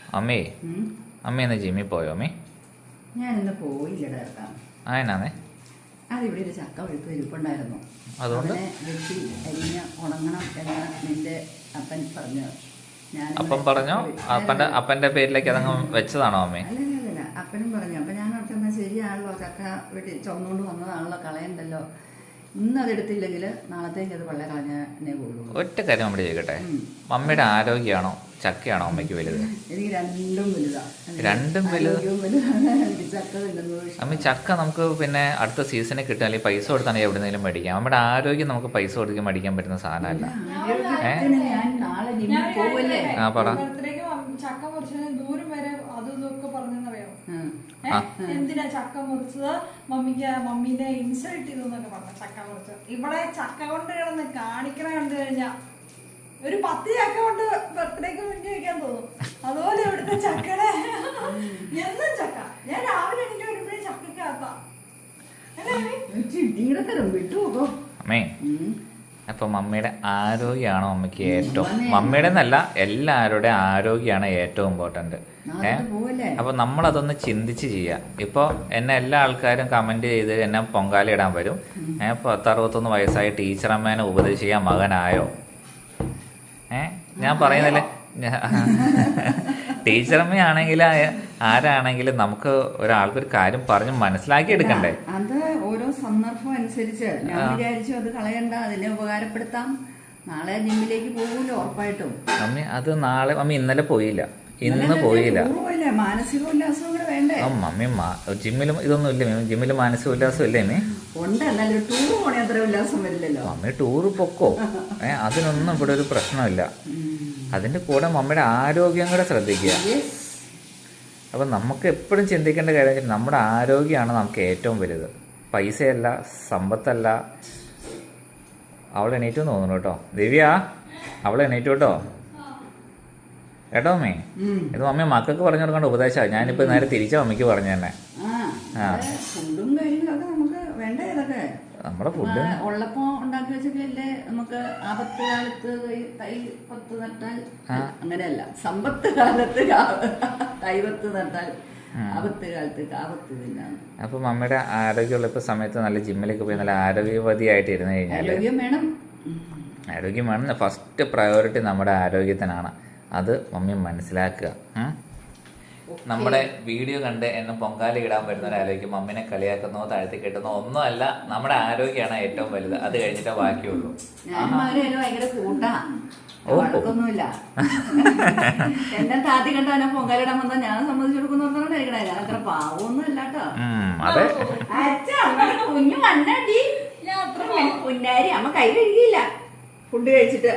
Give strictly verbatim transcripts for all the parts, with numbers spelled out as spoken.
അമ്മേ അമ്മ ഇന്ന് ജിമ്മിൽ പോയോ അമ്മേ? ഞാനിന്ന് പോയില്ലടാ. ആയെന്നാന്നേ? അതിവിടെ ഒരു ചക്ക ഒഴുപ്പ് ഇരിപ്പുണ്ടായിരുന്നു. അതുകൊണ്ട് വെട്ടി അരിഞ്ഞ് ഉണങ്ങണം എന്ന് നിന്റെ അപ്പൻ പറഞ്ഞു. ഞാൻ അപ്പം പറഞ്ഞോ? അപ്പൻ്റെ അപ്പൻ്റെ പേരിലേക്ക് അതങ്ങ് വെച്ചതാണോ അമ്മേ? അല്ലല്ല, അപ്പനും പറഞ്ഞു. അപ്പം ഞാൻ ഓർക്കുന്ന ശരിയാണല്ലോ, ചക്ക വെട്ടി ചുമന്നുകൊണ്ട് വന്നതാണല്ലോ, കളയണ്ടല്ലോ. ഇന്ന് അതെടുത്തില്ലെങ്കിൽ നാളത്തേക്ക് അത് വെള്ളം കളഞ്ഞേ പോകുള്ളൂ. ഒറ്റ കാര്യം നമ്മുടെ ചെയ്യട്ടെ, മമ്മിയുടെ ആരോഗ്യമാണോ ചക്കയാണോ അമ്മയ്ക്ക് വലുത്? എനിക്ക് രണ്ടും വലുതാ. രണ്ടും വലുത്. ചക്ക അമ്മ ചക്ക നമുക്ക് പിന്നെ അടുത്ത സീസണിൽ കിട്ടുക, അല്ലെങ്കിൽ പൈസ കൊടുത്താണെങ്കിൽ എവിടെന്നെങ്കിലും മേടിക്കാം. നമ്മുടെ ആരോഗ്യം നമുക്ക് പൈസ കൊടുക്കാൻ മേടിക്കാൻ പറ്റുന്ന സാധനമല്ല. ആ പറ. ചക്ക മുറിച്ചത് ദൂരം വരെ അതും ഇതൊക്കെ പറഞ്ഞെന്നറിയാമോ? എന്തിനാ ചക്ക മുറിച്ചത്? മമ്മിക്ക് മമ്മീനെ ഇൻസൾട്ട് ചെയ്തു എന്നൊക്കെ പറഞ്ഞു. ചക്ക മുറിച്ചത് ഇവിടെ ചക്ക കൊണ്ട് കിടന്ന് കാണിക്കണ കണ്ടു കഴിഞ്ഞാ ഒരു പത്ത് ചക്ക കൊണ്ട് ബർത്ത്ഡേക്ക് മുന്നേ വയ്ക്കാൻ തോന്നും. അതുപോലെ ഇവിടുത്തെ ചക്കടെ എന്നും ചക്ക. ഞാൻ രാവിലെ എനിക്ക് വരുമ്പോഴേ ചക്കക്കകത്താ. അമ്മേ, അപ്പൊ മമ്മിയുടെ ആരോഗ്യമാണോ അമ്മയ്ക്ക് ഏറ്റവും? മമ്മിയുടെ എന്നല്ല, എല്ലാവരുടെ ആരോഗ്യമാണ് ഏറ്റവും ഇമ്പോർട്ടന്റ്. ഏഹ് അപ്പൊ നമ്മളതൊന്ന് ചിന്തിച്ച് ചെയ്യാം. ഇപ്പൊ എന്നെ എല്ലാ ആൾക്കാരും കമന്റ് ചെയ്ത് എന്നെ പൊങ്കാലയിടാൻ വരും. ഏഹ് പത്തറുപത്തൊന്ന് വയസ്സായ ടീച്ചറമ്മേനെ ഉപദേശിക്കാൻ മകനായോ? ഏഹ് ഞാൻ പറയുന്നില്ലേ, ടീച്ചറമ്മയാണെങ്കിൽ ആരാണെങ്കിലും നമുക്ക് ഒരാൾക്കൊരു കാര്യം പറഞ്ഞ് മനസ്സിലാക്കി എടുക്കണ്ടേ? അത് ഓരോ സന്ദർഭം അനുസരിച്ച് ഞാൻ വിചാരിച്ചു അത് കളയണ്ട, അതിനെ ഉപകാരപ്പെടുത്താം. നാളെ ജിമ്മിലേക്ക് പോകൂല്ലോ ഉറപ്പായിട്ടും. മമ്മി അത് നാളെ മമ്മി ഇന്നലെ പോയില്ല, ഇന്ന് പോയില്ല. മാനസിക ഉല്ലാസം കൂടെ വേണ്ടേ? മമ്മി ജിമ്മിലും ഇതൊന്നും ഇല്ല. ജിമ്മിൽ മാനസിക ഉല്ലാസം ഇല്ലേ മീ? ഉണ്ട്, എന്നാലും ടൂർ പോണേ അത്ര ഉല്ലാസം വരില്ലല്ലോ. മമ്മി ടൂറ് പൊക്കോ, ഏ അതിനൊന്നും ഇവിടെ ഒരു പ്രശ്നമില്ല. അതിന്റെ കൂടെ മമ്മിയുടെ ആരോഗ്യം കൂടെ ശ്രദ്ധിക്കുക. അപ്പൊ നമുക്ക് എപ്പോഴും ചിന്തിക്കേണ്ട കാര്യം വെച്ചാൽ നമ്മുടെ ആരോഗ്യമാണ് നമുക്ക് ഏറ്റവും വലുത്. പൈസയല്ല, സമ്പത്തല്ല. അവൾ എണീറ്റു തോന്നുന്നു കേട്ടോ. ദിവ്യ, അവൾ എണീറ്റു കേട്ടോ. കേട്ടോ മമ്മി? ഇത് മമ്മി മക്കൾക്ക് പറഞ്ഞു കൊടുക്കേണ്ട ഉപദേശമാണ്. ഞാനിപ്പോ നേരെ തിരിച്ച മമ്മിക്ക് പറഞ്ഞു തന്നെ. നമ്മുടെ ഫുഡ് ഉള്ളപ്പോ ഉണ്ടാക്കി വെച്ചല്ലേ നമുക്ക് ആപത്ത് കാലത്ത് തൈ പത്ത് നട്ടാൽ, അങ്ങനെയല്ല, സമ്പത്ത് കാലത്ത് തൈപത്ത് നട്ടാൽ ആപത്ത് കാലത്ത് കാപത്ത് തിന്നാണ്. അപ്പൊ മമ്മിയുടെ ആരോഗ്യമുള്ളപ്പോ സമയത്ത് നല്ല ജിമ്മിലേക്ക് പോയി നല്ല ആരോഗ്യവതിയായിട്ട് ഇരുന്ന് കഴിഞ്ഞാൽ ആരോഗ്യം വേണം. ആരോഗ്യം വേണം. ഫസ്റ്റ് പ്രയോറിറ്റി നമ്മുടെ ആരോഗ്യത്തിനാണ്. അത് മമ്മി മനസ്സിലാക്കുക. നമ്മുടെ വീഡിയോ കണ്ട് എന്നെ പൊങ്കാല ഇടാൻ വരുന്നവരാലോചിക്കും മമ്മിനെ കളിയാക്കുന്നോ താഴ്ത്തി കെട്ടുന്നോ ഒന്നും അല്ല. നമ്മുടെ ആരോഗ്യമാണ് ഏറ്റവും വലുത്. അത് കഴിഞ്ഞിട്ടേ ബാക്കിയുള്ളൂ. ഭയങ്കര കൂട്ടാ, വഴക്കൊന്നുമില്ല. എന്നെ താത്തി കണ്ടാ പൊങ്കാലിടാൻ വന്നാൽ ഞാൻ സമ്മതിച്ചു കൊടുക്കുന്നോർക്കണേ. ഞാൻ അത്ര പാവൊന്നും ഇല്ല കേട്ടോ. അതെ, കുഞ്ഞു മണ്ണാടി കുഞ്ഞാരി അമ്മ കൈ കഴുകിയില്ല ഫുഡ് കഴിച്ചിട്ട്.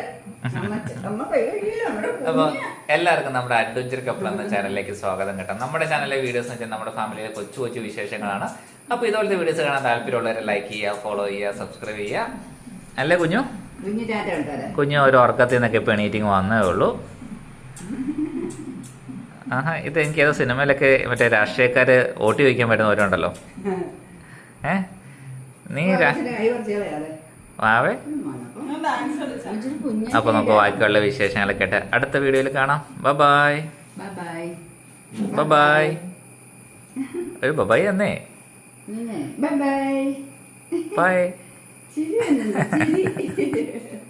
അപ്പൊ എല്ലാവർക്കും നമ്മുടെ അഡ്വഞ്ചർ കപ്പിൾ എന്ന ചാനലിലേക്ക് സ്വാഗതം കേട്ടോ. നമ്മുടെ ചാനലിലെ വീഡിയോസ് എന്ന് വെച്ചാൽ നമ്മുടെ ഫാമിലിയിലെ കൊച്ചു കൊച്ചു വിശേഷങ്ങളാണ്. അപ്പൊ ഇതുപോലത്തെ വീഡിയോസ് കാണാൻ താല്പര്യമുള്ളവരെ ലൈക്ക് ചെയ്യുക, ഫോളോ ചെയ്യുക, സബ്സ്ക്രൈബ് ചെയ്യുക. അല്ലേ കുഞ്ഞു? കുഞ്ഞു ഒരു ഉറക്കത്തിൽ നിന്നൊക്കെ ഇപ്പൊ എണീറ്റിങ് വന്നേ ഉള്ളൂ. ആഹാ, ഇത് എനിക്ക് ഏതോ സിനിമയിലൊക്കെ മറ്റേ രാഷ്ട്രീയക്കാര് വോട്ട് ചോദിക്കാൻ പറ്റുന്നവരുണ്ടല്ലോ. ഏ നീ ആവേ. അപ്പൊ നമുക്ക് ബാക്കിയുള്ള വിശേഷങ്ങളൊക്കെ ആയിട്ട് അടുത്ത വീഡിയോയിൽ കാണാം. Bye bye bye bye. ഒരു ബൈ എന്നേ. Bye by.